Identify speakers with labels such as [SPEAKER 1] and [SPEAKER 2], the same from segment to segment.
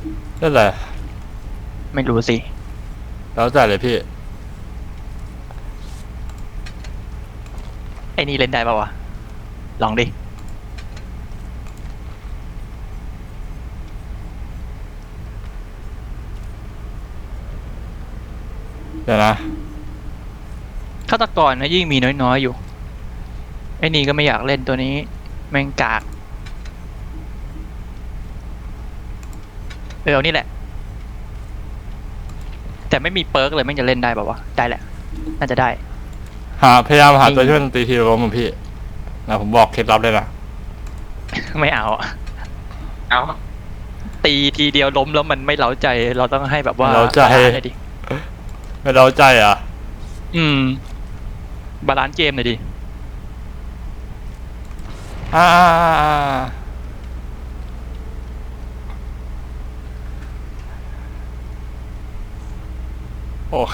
[SPEAKER 1] นั่นแหละ
[SPEAKER 2] ไม่รู้สิ
[SPEAKER 1] แล้วแต่เลยพี่
[SPEAKER 2] ไอ้นี่เล่นได้ป่าวะลองดิ
[SPEAKER 1] เดี๋ยวนะ
[SPEAKER 2] ฆาตกรนะยิ่งมีน้อยๆอยู่ไอ้นี่ก็ไม่อยากเล่นตัวนี้แม่งกากเอานี่แหละแต่ไม่มีเปิร์กเลยแม่งจะเล่นได้ป่าวะได้แหละน่าจะได้
[SPEAKER 1] พยายามหาตัวช่วยดนตรีทีละล้มของพี่นะผมบอกเคล็ดลับเลยนะ
[SPEAKER 2] ไม่เอาตีทีเดียวล้มแล้วมันไม่เล้าใจเราต้องให้แบบว่า
[SPEAKER 1] เล้าใจ
[SPEAKER 2] ดิ
[SPEAKER 1] ไม่เล้าใจอ่ะ
[SPEAKER 2] บาลานซ์เกมหน่อยดิ
[SPEAKER 1] โอเค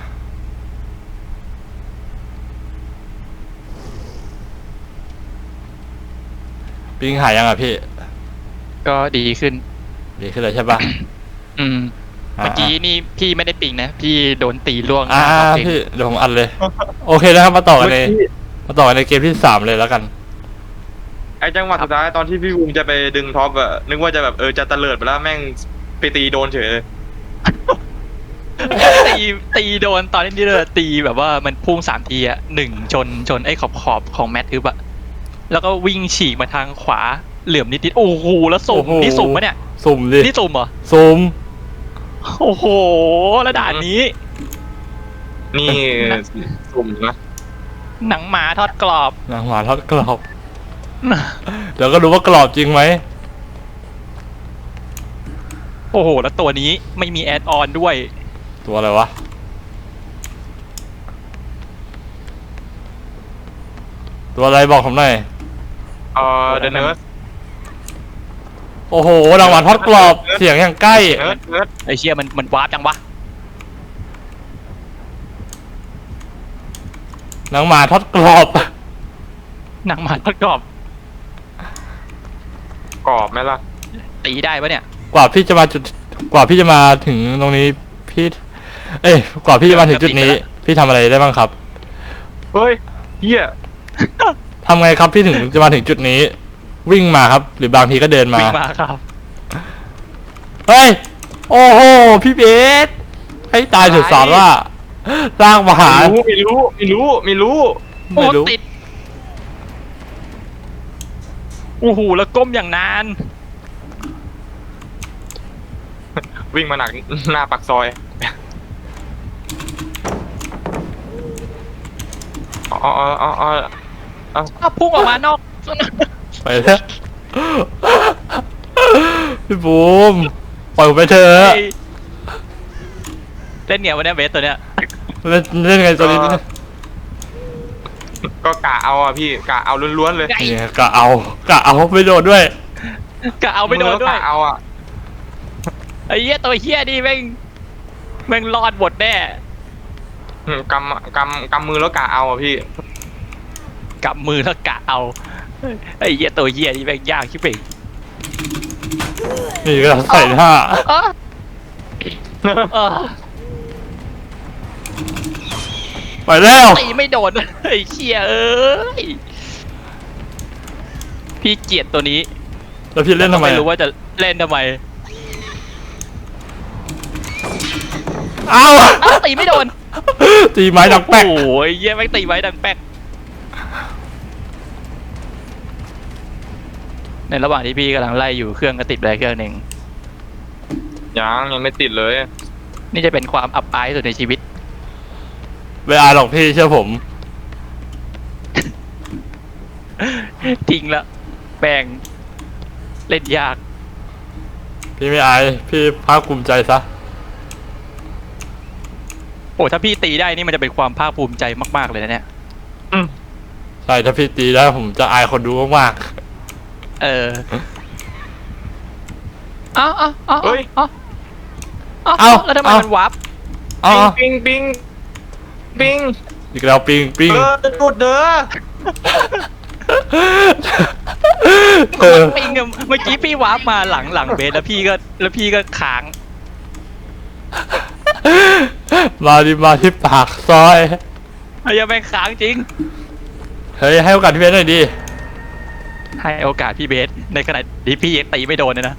[SPEAKER 1] ปิงหายยังอ่ะพี่
[SPEAKER 2] ก็ดีขึ้น
[SPEAKER 1] เลยใช่ปะ
[SPEAKER 2] เมื่อกี้นี่พี่ไม่ได้ปิงนะพี่โดนตีล่วง
[SPEAKER 1] พี่เดี๋ยวผมอัดเลยโอเคนะครับมาต่อกันในเกมที่3เลยแล้วกัน
[SPEAKER 3] ไอ้จังหวะสุดท้ายตอนที่พี่บูมจะไปดึงท็อปอะนึกว่าจะแบบจะตะเลิดไปแล้วแม่งไปตีโดนเฉยเลย
[SPEAKER 2] ตีโดนตอนนี้เลยตีแบบว่ามันพุ่ง3 ทีอ่ะ1ชนไอ้ขอบของแมททึบอะแล้วก็วิ่งฉีกมาทางขวาเหลื่อมนิดๆโอ้โหแล้วสุ่มนี่สุ่มปะเนี่ย
[SPEAKER 1] สุ่มดิ
[SPEAKER 2] นี่สุ่มเหรอ
[SPEAKER 1] สุ่ม
[SPEAKER 2] โอ้โหแล้วด่านนี้
[SPEAKER 3] นี่สุ่มนะ
[SPEAKER 2] หนังหมาทอดกรอบ
[SPEAKER 1] เดี๋ยวก็รู้ว่ากรอบจริงไหม
[SPEAKER 2] โอ้โหแล้วตัวนี้ไม่มีแอดออนด้วย
[SPEAKER 1] ตัวอะไรวะตัวอะไรบอกผมหน่อย
[SPEAKER 3] เดนเนิร์ส
[SPEAKER 1] โอ้โหรางวัลทอดกรอบเสียงอย่างใกล้
[SPEAKER 2] ไอเชี่ยมันวาร์ปจังวะ
[SPEAKER 1] หนังหมาทอดกรอบ
[SPEAKER 2] หนังหมาทอดกรอบ
[SPEAKER 3] ไหมล่ะ
[SPEAKER 2] ตีได้ปะเนี่ย
[SPEAKER 1] กว่าพี่จะมาถึงตรงนี้พี่กว่าพี่จะมาถึงจุดนี้พี่ทำอะไรได้บ้างครับ
[SPEAKER 3] เฮ้ยเฮีย
[SPEAKER 1] ทำไงครับพี่ถึงจะมาถึงจุดนี้วิ่งมาครับหรือบางทีก็เดินมา
[SPEAKER 2] วิ่งมาครับ
[SPEAKER 1] เฮ้ยโอ้โหพี่เบสให้ตายเถอะสอนว่าสร้างมหา
[SPEAKER 3] ไม่รู้
[SPEAKER 2] โอ้ติดโอ้โหแล้วก้มอย่างนาน
[SPEAKER 3] วิ่งมาหนักหน้าปากซอย
[SPEAKER 2] พุ่งออกมานอก
[SPEAKER 1] ไปแล้วพี่บูมปล่อยผมไปเถอะ
[SPEAKER 2] เล่นเนี่ยวันนี้เบสตัวเนี้ย
[SPEAKER 1] เล่นไงตัวนี้
[SPEAKER 3] ก็กะเอาอ่ะพี่กะเอาล้วนๆเลย
[SPEAKER 1] กะเอาไม่โดนด้วย
[SPEAKER 2] กะเอาไม่โดนด้วย
[SPEAKER 3] กะเอาอ่ะ
[SPEAKER 2] ไอ้เหี้ยตัวเหี้ยนี่แม่งรอดหมดแน่
[SPEAKER 3] กำมือแล้วกะเอาอ่ะพี่
[SPEAKER 2] กำมือแล้วกะเอาไอ้เหี้ยตัวเหี้ยนี่แม่งยากชิบเป่ง
[SPEAKER 1] นี่ก็ใส่ท่าไปแล้ว
[SPEAKER 2] ตีไม่โดนไอ้เชี่ยพี่เกลียดตัวนี้
[SPEAKER 1] แล้วพี่เล่นทำไม
[SPEAKER 2] ไม่รู้ว่าจะเล่นทำไม
[SPEAKER 1] เอา
[SPEAKER 2] ตีไม่โดน
[SPEAKER 1] ตีไม้ดังแป๊ก
[SPEAKER 2] โอ้ยเยี่ยไม่ตีไม้ดังแป๊กในระหว่างที่พี่กำลังไล่อยู่เครื่องก็ติดไปเครื่องหนึ่ง
[SPEAKER 3] ยังไม่ติดเลย
[SPEAKER 2] นี่จะเป็นความอับอายสุดในชีวิต
[SPEAKER 1] ไม่อายหรอกพี่เชื่อผม
[SPEAKER 2] ทิ้งละแบ่งเล่นยาก
[SPEAKER 1] พี่ไม่อายพี่ภาคภูมิใจซะ
[SPEAKER 2] โอ้ถ้าพี่ตีได้นี่มันจะเป็นความภาคภูมิใจมากๆเลยนะเนี่ย
[SPEAKER 1] ใช่ถ้าพี่ตีได้ผมจะอายคนดูมาก
[SPEAKER 2] ๆเอาแล้วทำไมมันวับ
[SPEAKER 3] ปิง
[SPEAKER 1] อีกแล้วปิง
[SPEAKER 3] จุดเด้อ
[SPEAKER 1] เออ
[SPEAKER 2] ปิงอะเมื่อกี้พี่วาร์ปมาหลังเบสแล้วพี่ก็ค้าง
[SPEAKER 1] มาที่ปากซอย
[SPEAKER 2] ยังไม่ค้างจริง
[SPEAKER 1] เฮ้ยให้โอกาสพี่เบสหน่อยดิ
[SPEAKER 2] ให้โอกาสพี่เบสในขณะที่พี่ยังตีไม่โดนเลยนะ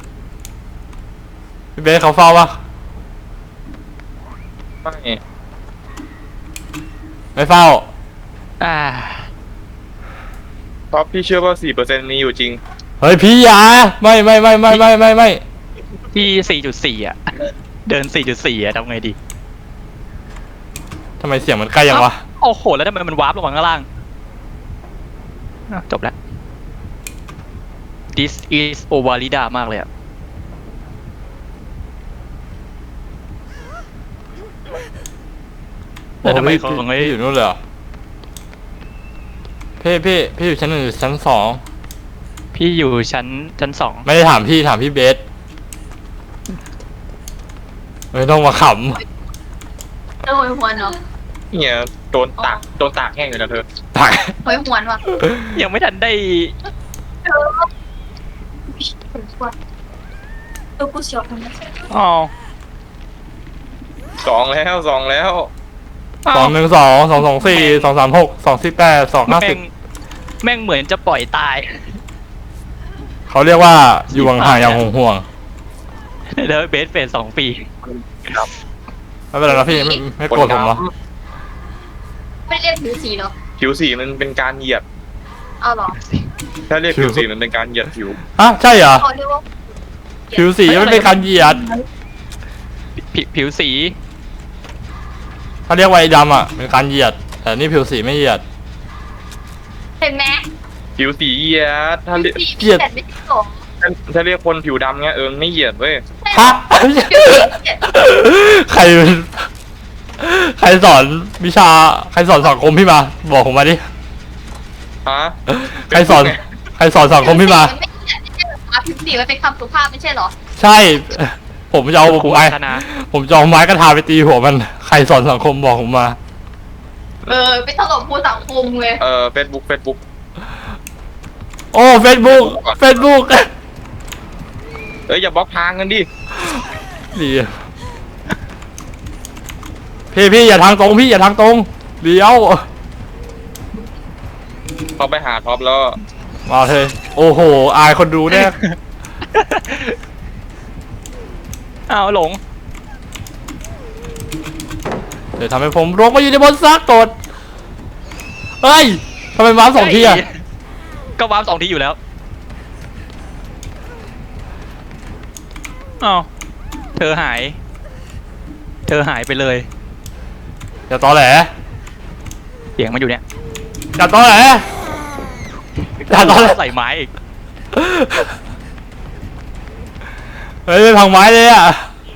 [SPEAKER 1] พี่เบสเขาเฝ้าปะ
[SPEAKER 3] ไม่
[SPEAKER 1] ไม่เฝ้า
[SPEAKER 2] อ่า
[SPEAKER 3] ท็อปพี่เชื่อว่า4%มีอยู่จริง
[SPEAKER 1] เฮ้ยพี่อยาไม่
[SPEAKER 2] พี่4.4อ่ะ เดิน4.4อ่ะทำไงดี
[SPEAKER 1] ทำไมเสียงมันใกล้ยังวะ
[SPEAKER 2] โอ้โหแล้วทำไมมันวาร์ปลงมาข้างล่างอ่ะจบแล้ว This is Ovalida มากเลยอ่ะ แล้วทำไมเขา
[SPEAKER 1] โอ้
[SPEAKER 2] ไม่
[SPEAKER 1] พี่อยู่นู่นเลยเหรอพี่อยู่ชั้น1หรือชั้น2
[SPEAKER 2] พี่อยู่ชั้นสอง
[SPEAKER 1] ไม่ได้ถามพี่เบสไม่ต้องมาข
[SPEAKER 4] เออหวยหวนเนาะ
[SPEAKER 3] เนี่ยโดนตากแห้งอยู่นะเธอ
[SPEAKER 1] ำตัก
[SPEAKER 4] หวยหวนว่ะ
[SPEAKER 2] ยังไม่ทันได้
[SPEAKER 4] เออเออกูเสียวทำไม
[SPEAKER 2] อ๋อ
[SPEAKER 3] 2 แล้ว
[SPEAKER 1] 212 224 236 248
[SPEAKER 2] แม่งเหมือนจะปล่อยตาย
[SPEAKER 1] 250เขาเรียกว่าอยู่ห่างๆอย่างห่วง
[SPEAKER 2] แล้วเบสเฟส2 ปี
[SPEAKER 1] ๆไม่เป็นไรนะพี่ไม่โกรธผมเหรอ
[SPEAKER 4] ไม่เรียกผิวสีเหรอ
[SPEAKER 3] ผิวสีมันเป็นการเหยียด
[SPEAKER 4] เอาเหรอ
[SPEAKER 3] ถ้าเรียกผิวสีมันเป็นการเหยียดผิว
[SPEAKER 1] ฮะใช่เหรอ
[SPEAKER 4] เขาเรียกว่า
[SPEAKER 1] ผิวสีมันเป็นการเหยียด
[SPEAKER 2] ผิวสี
[SPEAKER 1] เขาเรียกว่าไอ้ดำอ่ะเป็นการเหยียด แต่นี่ผิวสีไม่เหยียด
[SPEAKER 4] เห็นไหม
[SPEAKER 3] ผิวสีเหยียดถ้า
[SPEAKER 4] ผิ
[SPEAKER 3] เรี
[SPEAKER 4] วย สี
[SPEAKER 1] เกลียด
[SPEAKER 4] แต่ไม่ใช่หรอ
[SPEAKER 3] ถ้าเรียกคนผิวดำเงี้ยไม่เหยียดเว้ย
[SPEAKER 1] ฮะ
[SPEAKER 4] ผิวสีเนี่ย
[SPEAKER 1] ใครสอนวิชาใครสอนสังคมพี่มา บอกผมมาดิ
[SPEAKER 3] ฮะ
[SPEAKER 1] ใครสอนสังคมพี่มา
[SPEAKER 4] ไม่ใช่ไม่ใช่หรอผิวสีมันเป็นคำสุภาพไม่ใช่หรอ
[SPEAKER 1] ใช่ ผมจะเอา
[SPEAKER 2] ครู
[SPEAKER 1] ไม้
[SPEAKER 2] พัฒนา
[SPEAKER 1] ผมจะเอาไม้กระทาไปตีหัวมัน ใครสอนสังคมบอกผมมา
[SPEAKER 4] เออไปถล่มผู้สังคมเลย
[SPEAKER 3] Facebook
[SPEAKER 1] โอ้เฟซบุ๊ก
[SPEAKER 3] อย่าบล็อกทางกันดิ
[SPEAKER 1] ดีพี่อย่าทางตรงพี่อย่าทางตรงเดี๋ยว
[SPEAKER 3] เขาไปหาท็อปแล้ว
[SPEAKER 1] มาเถอะโอ้โหอายคนดูแน่
[SPEAKER 2] อ้าวหลง
[SPEAKER 1] เดี๋ยวทำให้ผมลงมาอยู่ในบนซากกดเฮ้ยทำไมมา2 ทีอ่ะ
[SPEAKER 2] ก็วาร์ป2 ทีอยู่แล้วอ้าวเธอหายไปเลย
[SPEAKER 1] อย่าตอแหล
[SPEAKER 2] เสียงมันอยู่เนี่ย
[SPEAKER 1] อย่าตอแหล อย่าตอแหล
[SPEAKER 2] ใส่ไม้อีก
[SPEAKER 1] เฮ้ยไม่พังไม้เลยอ่ะ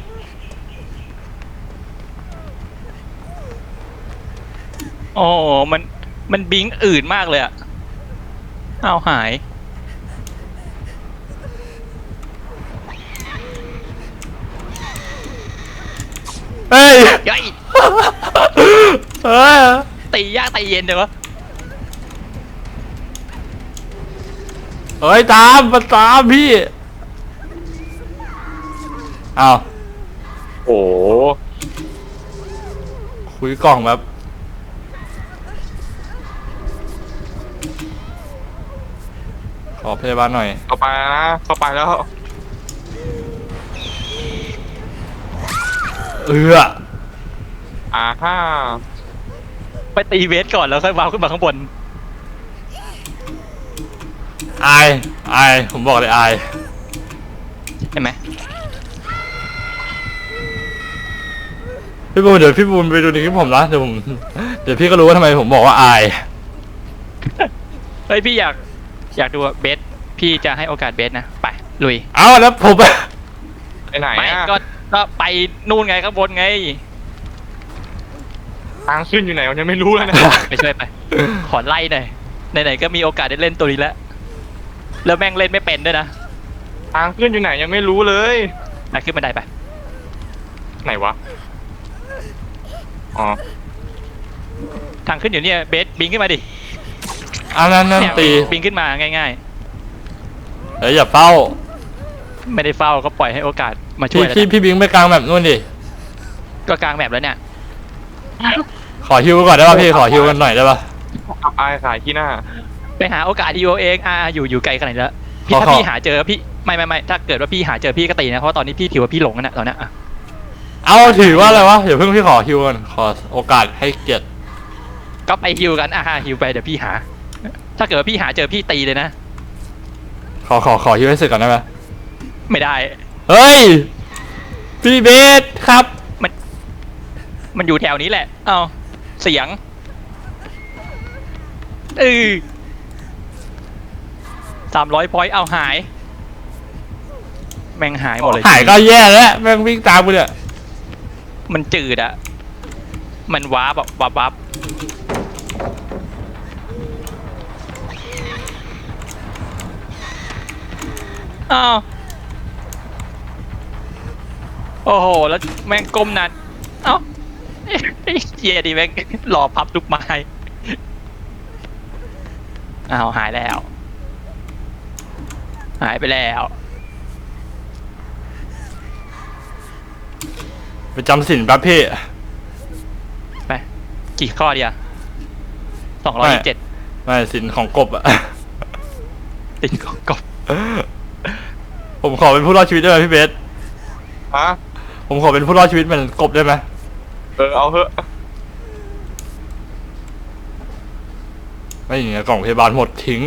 [SPEAKER 2] โอ้มันบิงอื่นมากเลยอะอ้าวหาย
[SPEAKER 1] เฮ้ย
[SPEAKER 2] ยัย
[SPEAKER 1] เฮ้ย
[SPEAKER 2] ตียากตีเย็นเลยวะ
[SPEAKER 1] เฮ้ยมันตามพี่อ้าว
[SPEAKER 3] โอ้
[SPEAKER 1] คุยกล่องแบบขอพยาบาลหน่อย
[SPEAKER 3] เข้าไปนะเข้าไปแล้ว ฮ่า
[SPEAKER 2] ไปตีเวสก่อนแล้วค่อยวาร์ปขึ้นมาข้างบน
[SPEAKER 1] อายผมบอกเลยอาย
[SPEAKER 2] ใช่ไหม
[SPEAKER 1] พี่บูนเดี๋ยวพี่บูนไปดูในคลิปผมนะเดี๋ยวพี่ก็รู้ว่าทำไมผมบอกว่าอาย
[SPEAKER 2] เฮ้ยพี่อยากดูเบสพี่จะให้โอกาสเบสนะไปลุย
[SPEAKER 1] เอาแล้วผม
[SPEAKER 3] ไปไหน
[SPEAKER 2] ไม่
[SPEAKER 3] อะ
[SPEAKER 2] ก็ไปนู่นไงข้างบนไง
[SPEAKER 3] ทางขึ้นอยู่ไหนผมยังไม่รู้เลยนะ
[SPEAKER 2] ไปช่วยไป ขอไล่หน่อยไหนๆก็มีโอกาสได้เล่นตัวนี้แล้วแล้วแม่งเล่นไม่เป็นด้วยนะ
[SPEAKER 3] ทางขึ้นอยู่ไหนยังไม่รู้เลย
[SPEAKER 2] ขึ้นบันไดไป
[SPEAKER 3] ไหนวะ อ๋อ
[SPEAKER 2] ทางขึ้นอยู่เนี่ยเบสบิงขึ้นมาดิ
[SPEAKER 1] อันนั้น
[SPEAKER 2] เนี่ย
[SPEAKER 1] ตี
[SPEAKER 2] บิงขึ้นมาง่าย
[SPEAKER 1] อย่าเฝ้า
[SPEAKER 2] ไม่ได้เฝ้าก็ปล่อยให้โอกาสมาช่วยแล้ว
[SPEAKER 1] พี่บิงไปกลางแบบนู่นดิ
[SPEAKER 2] ก็กลางแมปแล้วเนี่ย
[SPEAKER 1] ขอฮิวก่อนได้ป่ะพี่ขอฮิวกันหน่อยได้ป่ะ
[SPEAKER 3] อับอายขายขี้หน้า
[SPEAKER 2] ไปหาโอกาสดีโอเองอยู่ไกลขนาดนี้แล้วพี่
[SPEAKER 1] ขอ
[SPEAKER 2] ถ้าพี่หาเจอพี่ไม่ถ้าเกิดว่าพี่หาเจอพี่ก็ตีนะเพราะว่าตอนนี้พี่ถือว่าพี่หลงกันนะตอนนี้อะ
[SPEAKER 1] เอาถือว่าอะไรวะเดี๋ยวเพิ่งพี่ขอฮิวกันขอโอกาสให้เกียรติ
[SPEAKER 2] ก็ไปฮิวกันฮิวไปเดี๋ยวพี่หา ถ้าเกิดว่าพี่หาเจอพี่ตีเลยนะ
[SPEAKER 1] ขอฮิวให้เสร็จก่อนได้ไหม
[SPEAKER 2] ไม่ได้
[SPEAKER 1] เฮ้ยพี่เบสครับ
[SPEAKER 2] มันอยู่แถวนี้แหละเอาเสียง300 พอยต์เอาหาย แม่งหายหมดเลย
[SPEAKER 1] หายก็แย่แล้วแม่งวิ่งตามกูเนี่ย
[SPEAKER 2] มันจืดอะมันว้าแบบวับอ้าวโอ้โหแล้วแม่งก้มนานเอ้าไอ้เหี้ยดิแม่งรอพับลูกไม้อ้าวหายแล้ว หายไปแล้ว
[SPEAKER 1] ไปจำสินแป๊บพี่
[SPEAKER 2] ไปกี่ข้อดีอะ227
[SPEAKER 1] ไม่สินของกบอะ
[SPEAKER 2] ติดของกบ
[SPEAKER 1] ผมขอเป็นผู้รอดชีวิตได้ไหมพี่เบส
[SPEAKER 3] ฮะ
[SPEAKER 1] ผมขอเป็นผู้รอดชีวิตเหมือนกบได้ไหม
[SPEAKER 3] เอาเถอะ
[SPEAKER 1] ไม่อย่างเงี้ยกล่องพยาบาลหมดทิ้ง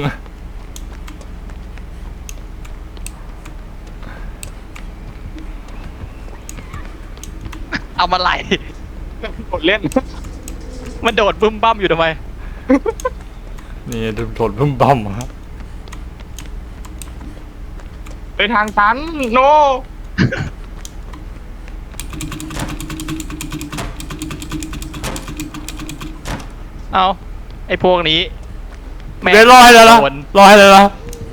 [SPEAKER 2] เอามาไหล
[SPEAKER 3] กดเล่น
[SPEAKER 2] มันโดดบึ้มบั้มอยู่ทำไม
[SPEAKER 1] นี่โดนพึ่มบั่มฮะ
[SPEAKER 3] ไปทางตันโน
[SPEAKER 2] เอาไอ้พวกนี้แม่ง
[SPEAKER 1] เบสรอให้เลยนะ
[SPEAKER 2] โดน
[SPEAKER 1] รอให้เลยนะ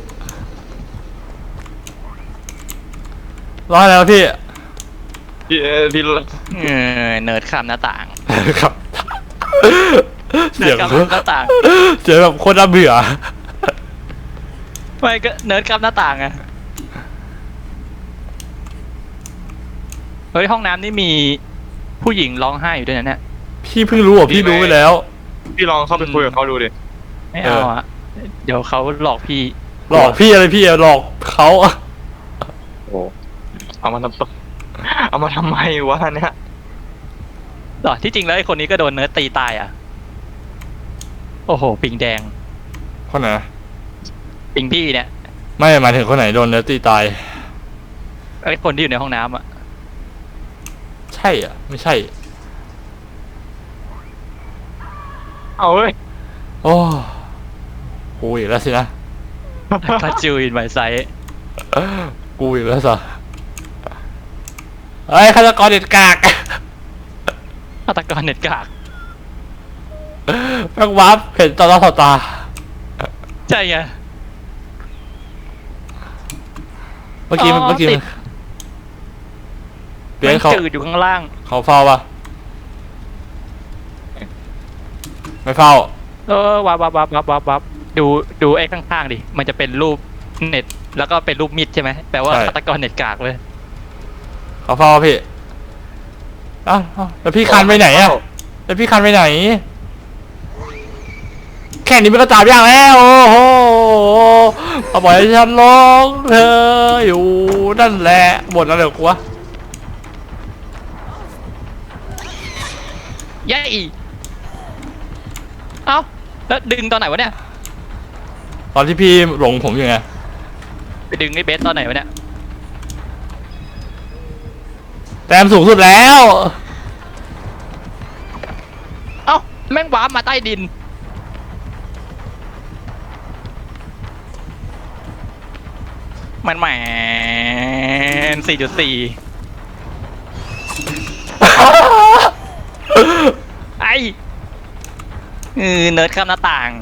[SPEAKER 1] รอให้เลยนะพี่
[SPEAKER 3] พี่
[SPEAKER 2] เนิร์ดข้ามหน้าต่าง
[SPEAKER 1] ครับ
[SPEAKER 2] เนิ
[SPEAKER 1] เสีย
[SPEAKER 2] ร์
[SPEAKER 1] ง
[SPEAKER 2] ดข้ามหน้าต่าง
[SPEAKER 1] เสียงแบบโคตรน่าเบื่อ
[SPEAKER 2] ไม่ก็เนิร์ดข้ามหน้าต่างอะเฮ้ยห้องน้ำนี่มีผู้หญิงร้องไห้อยู่ด้วยนะเนี่ย
[SPEAKER 1] พี่เพิ่งรู้เหรอพี่รู้ไปแล้ว
[SPEAKER 3] พี่ลองเข้าไปคุยกับเขาดูดิ
[SPEAKER 2] ไม่เอาอะเดี๋ยวเขาหลอกพี่
[SPEAKER 1] หลอกพี่อะไรพี่หลอกเขา
[SPEAKER 3] โอ้เอามาทำเอามาทำไมวะเนี่ย
[SPEAKER 2] หรอที่จริงแล้วไอ้คนนี้ก็โดนเนิร์ดตีตายอะโอ้โหปิงแดง
[SPEAKER 1] คนไหน
[SPEAKER 2] ปิงพี่เนี่ย
[SPEAKER 1] ไม่หมายถึงคนไหนโดนเนื้อตีตาย
[SPEAKER 2] ไอ้คนที่อยู่ในห้องน้ำอะ
[SPEAKER 1] ใช่อ่ะไม่ใช่
[SPEAKER 3] เอาเว้ย
[SPEAKER 1] โอ้กูอีกแล้วสินะ
[SPEAKER 2] ก็จูอินไมไซ
[SPEAKER 1] กูอีกแล้วสิเฮ้ยฆาตกรเด็ดกาก
[SPEAKER 2] ฆาตกรเน็ตกาก
[SPEAKER 1] แม่งวับเห็นต่อหน้าต่อตา
[SPEAKER 2] ใช่ไง
[SPEAKER 1] เมื่อกี้
[SPEAKER 2] อ๋อ
[SPEAKER 1] เมื่อกี้
[SPEAKER 2] ติด
[SPEAKER 1] เปลี่ย
[SPEAKER 2] มัน
[SPEAKER 1] นเขา
[SPEAKER 2] จืดอยู่ข้างล่าง
[SPEAKER 1] เขาเฝ้าปะไม่เฝ้า
[SPEAKER 2] วับดูไอ้ข้างๆดิมันจะเป็นรูปเน็ตแล้วก็เป็นรูปมิดใช่ไหมแปลว่า
[SPEAKER 1] ใช่
[SPEAKER 2] ฆาตกรเน็ตกากเลย
[SPEAKER 1] เขาเฝ้าปะพี่อ้าวแล้วพี่คันไปไหนอ่ะแล้วพี่คันไปไหน แค่นี้มันก็จับยากแล้วโอ้โหเอาปล่อยให้ฉันร้องเธออยู่นั่นแหละบ่นอะไรกับกูวะ
[SPEAKER 2] เย้เอ้าแล้วดึงตอนไหนวะเนี่ย
[SPEAKER 1] ตอนที่พี่หลงผมอยู่ไง
[SPEAKER 2] ไปดึงไอ้เบสตอนไหนวะเนี่ย
[SPEAKER 1] แต้มสูงสุดแล้ว
[SPEAKER 2] เอ้าแม่งวาร์ปมาใต้ดินมันแหมน 4.4 ไอ้เนิร์ดข้ามหน้าต่าง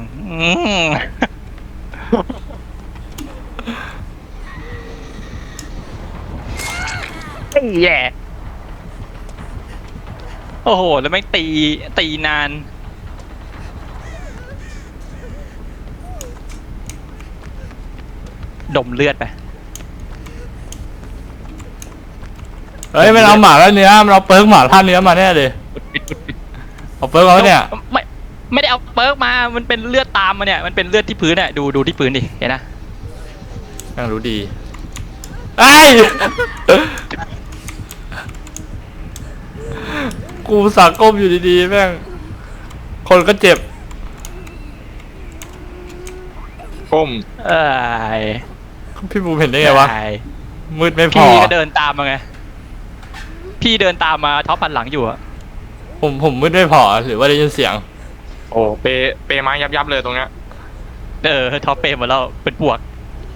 [SPEAKER 2] แย่โอ้โห แล้วแม่งตีนานดมเลือดไป
[SPEAKER 1] เฮ้ยมันเอาหมาแล้วเนื้อมันเอาเปิร์กหมาท่าเนื้อมาแน่เลยเอาเปิร์กมาเนี่ย
[SPEAKER 2] ไม่ได้เอาเปิร์กมามันเป็นเลือดตามมาเนี่ยมันเป็นเลือดที่พื้นเนี่ยดูที่พื้นดิเห็นนะ
[SPEAKER 1] แม่งรู้ดีไอ้ยกูสักก้มอยู่ดีๆแม่งคนก็เจ็บ
[SPEAKER 3] ก้ม
[SPEAKER 2] เอ้ย
[SPEAKER 1] พี่บูมเห็นได้ไงวะ
[SPEAKER 2] อ้ย
[SPEAKER 1] มืดไม่พอ
[SPEAKER 2] พี่ก็เดินตามมาไงพี่เดินตามมาท็อปพันหลังอยู่อะ
[SPEAKER 1] ผมมืดไม่พอหรือว่าได้ยินเสียง
[SPEAKER 3] โอ้เปไม้ยับเลยตรงเนี้ย
[SPEAKER 2] ท็อปเปหมดแล้วเป็นปวก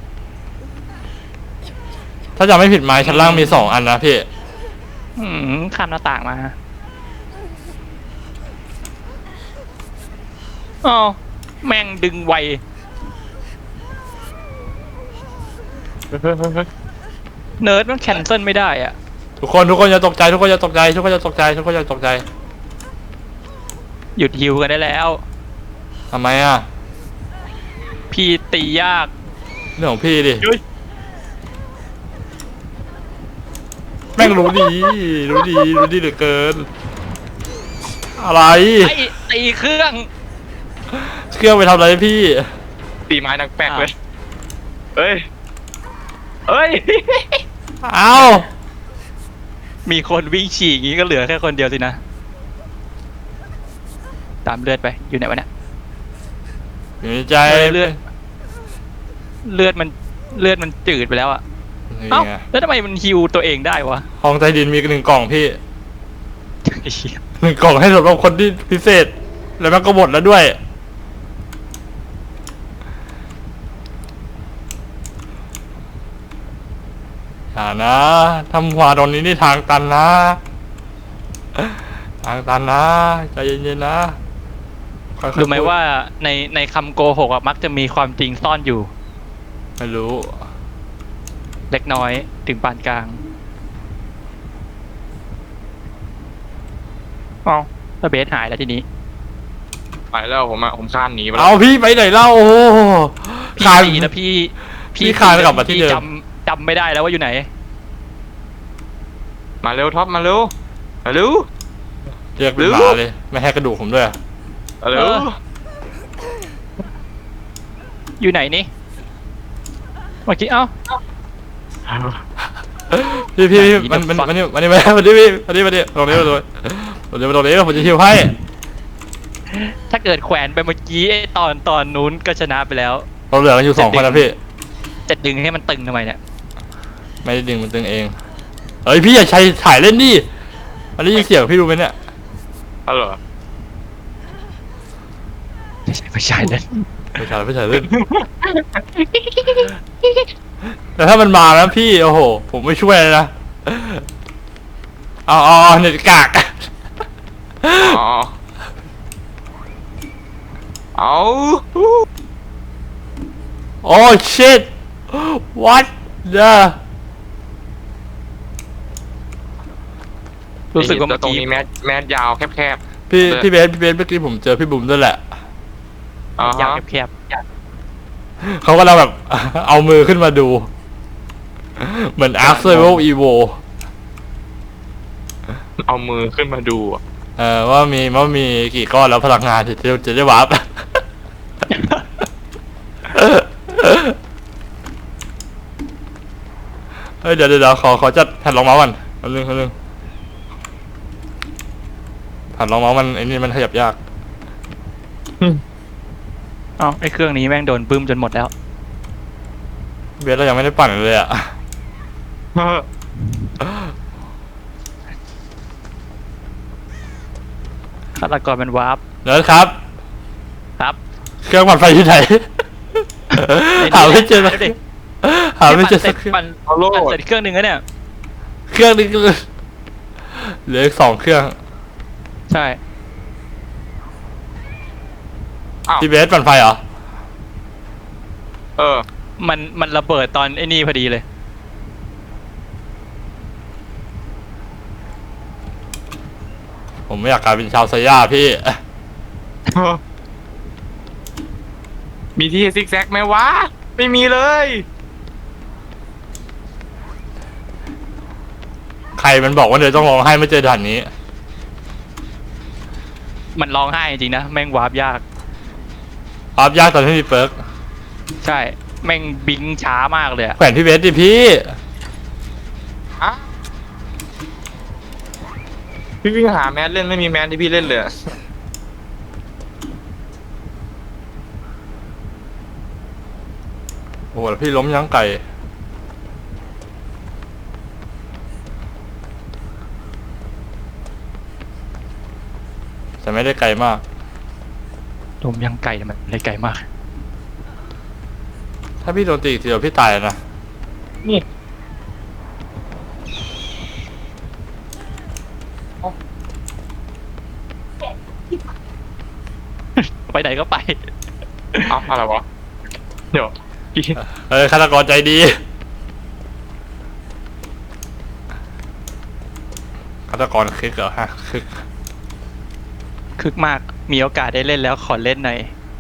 [SPEAKER 1] ถ้าจำไม่ผิดไม้ชั้นล่างมี2 อันนะพี่
[SPEAKER 2] ข้ามหน้าต่างมาอ๋อแม่งดึงไวเนิร์ดมันแคนเซิลไม่ได้อะ
[SPEAKER 1] ทุกคนอย่าตกใจทุกคนอย่าตกใจทุกคนอย่าตกใจทุกคนอย่าตกใจ
[SPEAKER 2] หยุดฮิวกันได้แล้ว
[SPEAKER 1] ทำไมอ่ะ
[SPEAKER 2] พี่ตียาก
[SPEAKER 1] เรื่องของพี่ดิ
[SPEAKER 2] ยุ้ย
[SPEAKER 1] แม่งรู้ดีเหลือเกิน อะไร
[SPEAKER 2] ไอ้ตีเครื่อง
[SPEAKER 1] เครื่องไปทำอะไรพี่
[SPEAKER 3] ตีไม้นักแป๊กเลยเฮ้ย เฮ้ย
[SPEAKER 1] เอ้า
[SPEAKER 2] มีคนวิ่งฉี่อย่างงี้ก็เหลือแค่คนเดียวสินะ ตามเลือดไปอยู่ไหนวะเนี่ย
[SPEAKER 1] อยู่ในใจ
[SPEAKER 2] เลือดมันจืดไปแล้วอะ
[SPEAKER 1] นี่
[SPEAKER 2] เอ้า
[SPEAKER 1] ไง
[SPEAKER 2] แล้วทำไมมันฮิวตัวเองได้วะ
[SPEAKER 1] ห้องใต้ดินมี1 กล่องพี่
[SPEAKER 2] ไอ้เหี้ย
[SPEAKER 1] 1 กล่องให้สำหรับคนที่พิเศษ แล้วมันก็หมดแล้วด้วย อย่านะทำหัวตรงนี้นี่ทางตันนะ ทางตันนะใจเย็นๆนะค่อยๆ
[SPEAKER 2] รู้ไหม
[SPEAKER 1] พูด
[SPEAKER 2] ว่าในคำโกหกอะมักจะมีความจริงซ่อนอยู่
[SPEAKER 1] ไม่รู้
[SPEAKER 2] เล็กน้อยถึงปานกลางอ๋อแล้วเบสหายแล้วทีนี้
[SPEAKER 3] ไปแล้วผมคานหนีไปแล้
[SPEAKER 1] เอา
[SPEAKER 3] ว
[SPEAKER 1] พี่ไปไหนเล่าโอ้โห
[SPEAKER 2] พี่
[SPEAKER 1] ขาย
[SPEAKER 2] ตีแล้วพี่
[SPEAKER 1] พี่คานกลับมาที่เดิม
[SPEAKER 2] จำไม่ได้แล้วว่าอยู่ไหน
[SPEAKER 3] มาเร็วท็อปมาเร็วมาเร็ว
[SPEAKER 1] เรียกเป็นหมาเลย ไม่ให้กระดูกผมด้วย
[SPEAKER 3] มาเร็ว
[SPEAKER 2] อยู่ไหนนี่เมื่อกี้เอ้า
[SPEAKER 1] พี่
[SPEAKER 2] ไหน
[SPEAKER 1] มัน
[SPEAKER 2] the fuck
[SPEAKER 1] นี่พี่ตรงนี้ตรงนี้ผมจะฮิวให้
[SPEAKER 2] ถ้าเกิดแขวนไปเมื่อกี้ไอ้ตอนนู้นก็ชนะไปแล้ว
[SPEAKER 1] เราเหลือกันอยู่2 คนนะพี่
[SPEAKER 2] จะดึงให้มันตึงทำไมเนี่ย
[SPEAKER 1] ไม่ได้ดึงมันตึงเองเฮ้ยพี่อย่าใช้ถ่ายเล่นดิมันได้ยินเสียงพี่รู้ไหมเนี่ย
[SPEAKER 3] ฮัลโหล
[SPEAKER 2] ไม่ใช่เลย
[SPEAKER 1] ไม่ใช่เล่น แต่ถ้ามันมาแล้วพี่โอ้โหผมไม่ช่วยเลยนะเอาเน็ตกาก
[SPEAKER 3] อ๋อเอา
[SPEAKER 1] โอ้ shit what the
[SPEAKER 2] รู้สึกว่า
[SPEAKER 3] แล้
[SPEAKER 2] เมื่อ
[SPEAKER 3] ตรง
[SPEAKER 2] กี้
[SPEAKER 3] นี้แมสยาวแคบ
[SPEAKER 1] พี่เบสเมื่อกี้ผมเจอพี่บุ๋มด้วยแหละ
[SPEAKER 3] ๆอ่าย
[SPEAKER 2] าว
[SPEAKER 3] ฮะ
[SPEAKER 2] แคบ
[SPEAKER 1] เขาก็เราแบบ เอามือขึ้นมาดู เหมือน Ark Survival Evo
[SPEAKER 3] เอามือขึ้นมาดูอะ
[SPEAKER 1] ว่ามีกี่ก้อนแล้วพลังงานจะได้วาร์ป เฮ้ยเดี๋ยวขอจัดแผ่นรองเมาส์ก่อนแป๊บนึงแผ่นรองเมาส์มันไอ้นี่มันขยับยาก
[SPEAKER 2] ๆเอ้าไอ้เครื่องนี้แม่งโดนบึ้มจนหมดแล้ว
[SPEAKER 1] เบสเรายังไม่ได้ปั่นเลยอ่ะ
[SPEAKER 2] ฆาตกรมันวาร์ป
[SPEAKER 1] เนิร์ดครับ
[SPEAKER 2] ครับ
[SPEAKER 1] เครื่องปั่นไฟที่ไหน หาไม่เจอสัก
[SPEAKER 2] ดี๋ยวดิ
[SPEAKER 1] หาไม่เจอสักเครื่อง
[SPEAKER 2] ปั่น
[SPEAKER 3] เอาโล
[SPEAKER 2] ปั่น
[SPEAKER 3] ด
[SPEAKER 2] เสร็จเครื่องหนึ่งแล้วเนี่ย
[SPEAKER 1] เครื่องนึงเหลืออีก2 เครื่อง
[SPEAKER 2] ใช่
[SPEAKER 3] อ้าว
[SPEAKER 1] พี่เบสปั่นไฟเหรอ
[SPEAKER 3] เออ
[SPEAKER 2] มันระเบิดตอนไอ้นี่พอดีเลย
[SPEAKER 1] ผมไม่อยากกลายเป็นชาวไซย่าพี่
[SPEAKER 3] มีที่ซิกแซกไหมวะ ไม่มีเลย
[SPEAKER 1] ใครมันบอกว่าเดี๋ยวต้องร้องไห้ไม่เจอด่านนี้
[SPEAKER 2] มันร้องไห้จริงนะแม่งวาร์ปยาก
[SPEAKER 1] อัพยากตอนที่มีเปิร์ก
[SPEAKER 2] ใช่แม่งบิงช้ามากเลยอะ
[SPEAKER 1] แขวนพี่เบสดิพี่
[SPEAKER 3] อะพี่วิ่งหาแมสเล่นไม่มีแมสที่พี่เล่นเลยอะ
[SPEAKER 1] โอ้โหแล้วพี่ล้มยังไก่แต่ไม่ได้ไกลมาก
[SPEAKER 2] ลมยังไก่แต่มันเลยไกลมาก
[SPEAKER 1] ถ้าพี่โดนตีอีกทีเดียวพี่ตายแล้วนะ
[SPEAKER 3] นี่
[SPEAKER 2] ไปไหนก็ไป
[SPEAKER 3] เอาอะไรวะเดี๋ยวพี่
[SPEAKER 1] ฆาตกรใจดีฆาตกรคึกเหรอฮะคึก
[SPEAKER 2] คึกมากมีโอกาสได้เล่นแล้วขอเล่นหน่อย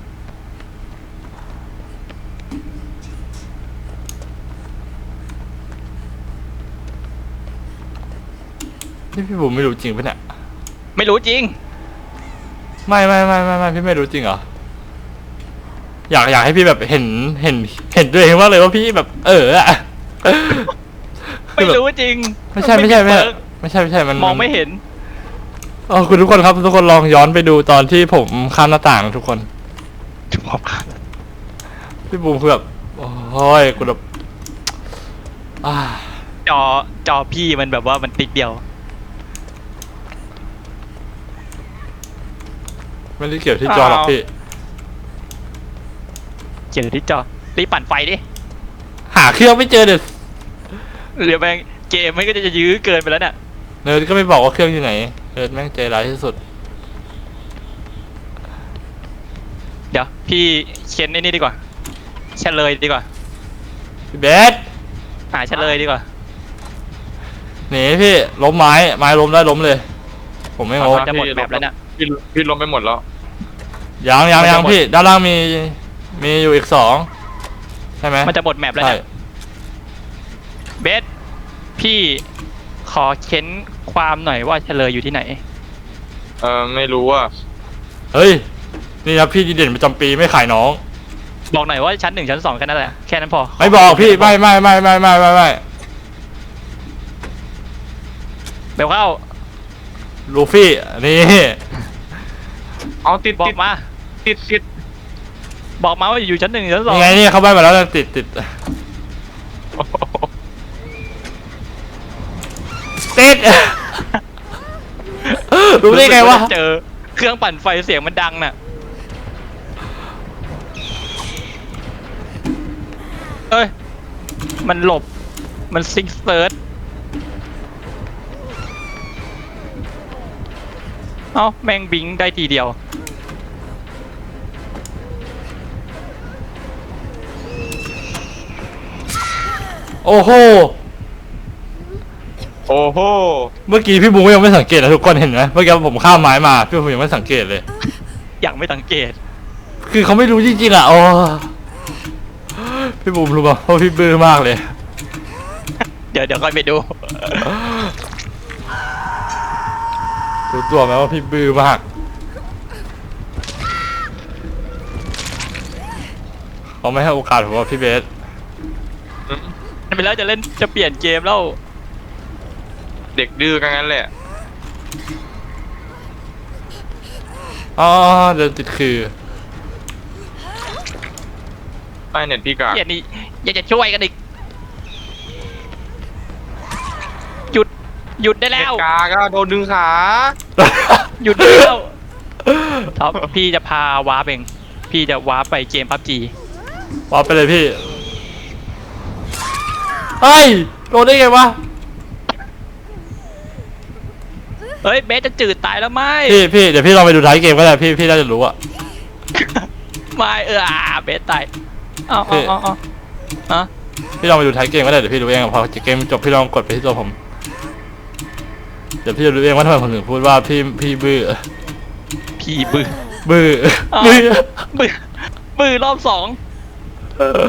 [SPEAKER 1] นี่พี่บุ๋มไม่รู้จริงปะเนี่ย
[SPEAKER 2] ไม่รู้จริง
[SPEAKER 1] ไม่พี่ไม่รู้จริงเหรออยากให้พี่แบบเห็นด้วยเองว่าเลยว่าพี่แบบอะ
[SPEAKER 2] ไม่รู้จริง
[SPEAKER 1] ไม่ใช่มัน
[SPEAKER 2] มองไม่เห็น
[SPEAKER 1] อ๋อคุณทุกคนครับทุกคนลองย้อนไปดูตอนที่ผมข้ามหน้าต่างนะทุกคนพี่บูมคือแบบโอ้ยกูแบบ
[SPEAKER 2] จอพี่มันแบบว่ามันติดเดียว
[SPEAKER 1] ไม่ได้เกี่ยวที่จอหรอกพี่
[SPEAKER 2] เจอที่จอรีบปั่นไฟดิ
[SPEAKER 1] หาเครื่องไม่เจอเด็ด
[SPEAKER 2] เดี๋ยวแม่งเกมมันก็จะยื้อเกินไปแล้วเนี่ย
[SPEAKER 1] เนิร์ดก็ไม่บอกว่าเครื่องอยู่ไหนเนิร์ดแม่งใจร้ายที่สุด
[SPEAKER 2] เดี๋ยวพี่เค้นไอ้นี่ดีกว่าเฉลยดีกว่า
[SPEAKER 1] พี่เบส
[SPEAKER 2] เฉลยดีกว่า
[SPEAKER 1] หนีพี่ล้มไม้ล้มได้ล้มเลย ผมไม่งง
[SPEAKER 2] จะหมดแบบแล้วเนี่ย
[SPEAKER 3] พี่ล้มไปหมดแล้ว
[SPEAKER 1] ยังพี่ด้านล่างมีอยู่อีก2ใช่ไหม
[SPEAKER 2] มันจะหมดแมปแล้ว
[SPEAKER 1] ใช่
[SPEAKER 2] เนี่ยเบสพี่ขอเค้นความหน่อยว่าเฉลยอยู่ที่ไหน
[SPEAKER 3] ไม่รู้ว่า
[SPEAKER 1] เฮ้ยนี่ครับพี่ดีเด่นประจำปีไม่ขายน้อง
[SPEAKER 2] บอกหน่อยว่าชั้น 1 ชั้น 2แค่นั้นแหละแค่นั้นพอ
[SPEAKER 1] ไม่บอกพี่ไม่
[SPEAKER 2] เบลเข้า
[SPEAKER 1] ลูฟี่นี่
[SPEAKER 3] เอาติด
[SPEAKER 2] บอ
[SPEAKER 3] ติ
[SPEAKER 2] ก
[SPEAKER 3] ด
[SPEAKER 2] มา
[SPEAKER 3] ติด
[SPEAKER 2] บอกมาว่าอยู่ชั้น 1 ชั้น 2
[SPEAKER 1] ยังไงนี่เขาไปมาแล้วติดรู้ได้ไงวะ
[SPEAKER 2] เจอเครื่องปั่นไฟเสียงมันดังน่ะเอ้ยมันหลบมันซิกเซิร์ชเอ้าแม่งบิงได้ทีเดียว
[SPEAKER 1] โอ้โห
[SPEAKER 3] โอ้โห
[SPEAKER 1] เมื่อกี้พี่บูมยังไม่สังเกตนะทุกคนเห็นไหมเมื่อกี้ผมข้ามไม้มาพี่บูมยังไม่สังเกตเลย
[SPEAKER 2] อย่างไม่สังเกต
[SPEAKER 1] คือเขาไม่รู้จริงๆอ่ะโอ้พี่บูมรู้ป่ะว่าพี่บื้อมากเลย
[SPEAKER 2] เดี๋ยวค่อยไปดู
[SPEAKER 1] รู้ตัวไหมว่าพี่บื้อมากเขาไม่ให้โอกาสผมว่าพี่เบส
[SPEAKER 2] ไปแล้วจะเปลี่ยนเกมแล้ว
[SPEAKER 3] เด็กดื้อกันงั้นแหละ
[SPEAKER 1] อ๋อเดินติดคือ
[SPEAKER 3] ไอเน็ตพี่กา
[SPEAKER 2] เกียนี่อยากจะช่วยกันอีกหยุดได้
[SPEAKER 3] เน็
[SPEAKER 2] แล้
[SPEAKER 3] ต
[SPEAKER 2] ว
[SPEAKER 3] กาก็โดนดึงขา
[SPEAKER 2] หยุดได้แล้วท็อปพี่จะพาวาร์ปเองพี่จะวาร์ปไปเกมพับจี
[SPEAKER 1] วาไปเลยพี่เฮ้ยโดนได้ไงวะ
[SPEAKER 2] เฮ้ยเบสจะจืดตายแล้วไหม
[SPEAKER 1] พี่เดี๋ยวพี่ลองไปดูท้ายเกมก็ได้พี่น่าจะรู้อะ
[SPEAKER 2] ไม่เบสตายอ๋อฮะ
[SPEAKER 1] พี่ลองไปดูท้ายเกมก็ได้เดี๋ยวพี่รู้เองพอเกมจบพี่ลองกดไปที่ตัวผมเดี๋ยวพี่จะรู้เองว่าทำไมผมถึงพูดว่าพี่บื้อ
[SPEAKER 2] พี่บื้อ
[SPEAKER 1] บื้อ
[SPEAKER 2] อ้าว บื้อรอบ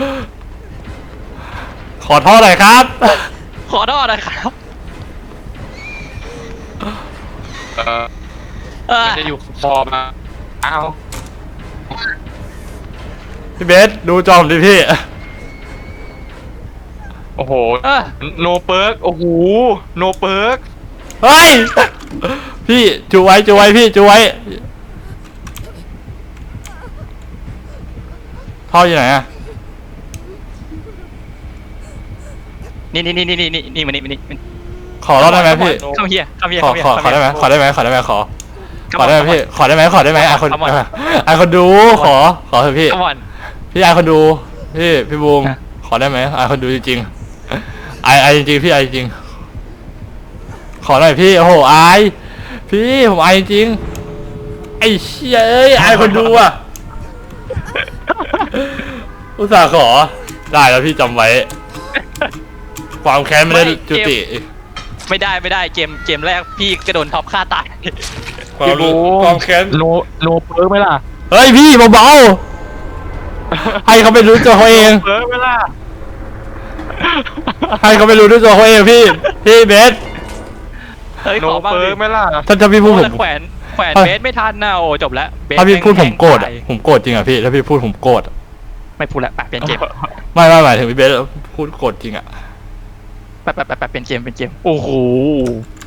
[SPEAKER 1] ขอโทษหน่อยครับ
[SPEAKER 2] 2ขอโทษนะครับ
[SPEAKER 3] เออ
[SPEAKER 2] เออ
[SPEAKER 3] มันจะอยู่คอมาอ้าว
[SPEAKER 1] พี่เบสดูจอมดิพี่
[SPEAKER 3] โอ้โห
[SPEAKER 2] เออ
[SPEAKER 3] โนเปิร์กโอ้โหโนเปิร์ก
[SPEAKER 1] เฮ้ย พี่จูไว้จูไว้พี่จูไว้ท่ออยู่ไหนอะ
[SPEAKER 2] นี่มานี่
[SPEAKER 1] ขอรอดได้ไหมพี่
[SPEAKER 2] เข้าเฮีย
[SPEAKER 1] ขอได้ไหมขอได้ไหมขอได้ไหมขอได้ไหมพี่ขอได้ไหมขอได้ไหมไอคนไอคนดูขอเถอะพี่
[SPEAKER 2] ขมอน
[SPEAKER 1] พี่ไอคนดูพี่บูมขอได้ไหมไอคนดูจริงๆไอจริงๆพี่ไอจริงขอหน่อยพี่โอ้โหไอพี่ผมไอจริงไอเชี่ยเอ้ยไอคนดูอ่ะอุตส่าห์ขอได้แล้วพี่จำไว้ความแค้นไม่ได้จุติ
[SPEAKER 2] ไม่ได้เกมแรกพี่กระโดนท็อปฆ่าตาย
[SPEAKER 1] ความแค้น
[SPEAKER 3] โนเปิร์กไหมล่ะ
[SPEAKER 1] เฮ้ยพี่เบาๆให้เขาไปรู้ตัวเขาเอง
[SPEAKER 3] เปิร์กไหมล่ะ
[SPEAKER 1] ให้เขาไปรู้ด้วยตัวเขาเองพี่เบส
[SPEAKER 2] เฮ้ย
[SPEAKER 3] โน
[SPEAKER 2] ขอบ้าง
[SPEAKER 3] เปิ
[SPEAKER 2] ดิ
[SPEAKER 3] ร์กไหมล่ะ
[SPEAKER 1] ถ้าพี่พูดผม
[SPEAKER 2] แขวนเบสไม่ทันนะโอ้จบแล้วเบส
[SPEAKER 1] ถ้าพี่พูดผมโกรธ
[SPEAKER 2] แง
[SPEAKER 1] อะ
[SPEAKER 2] ตาย
[SPEAKER 1] ผมโกรธจริงอ่ะพี่ถ้าพี่พูดผมโกรธอะ
[SPEAKER 2] ไม่พูดละไปเปลี่ยนเกม
[SPEAKER 1] ไม่หมายถึงพี่เบสพูดโกรธจริงอ่ะ
[SPEAKER 2] ไปเปลี่ยนเกมโอ้โห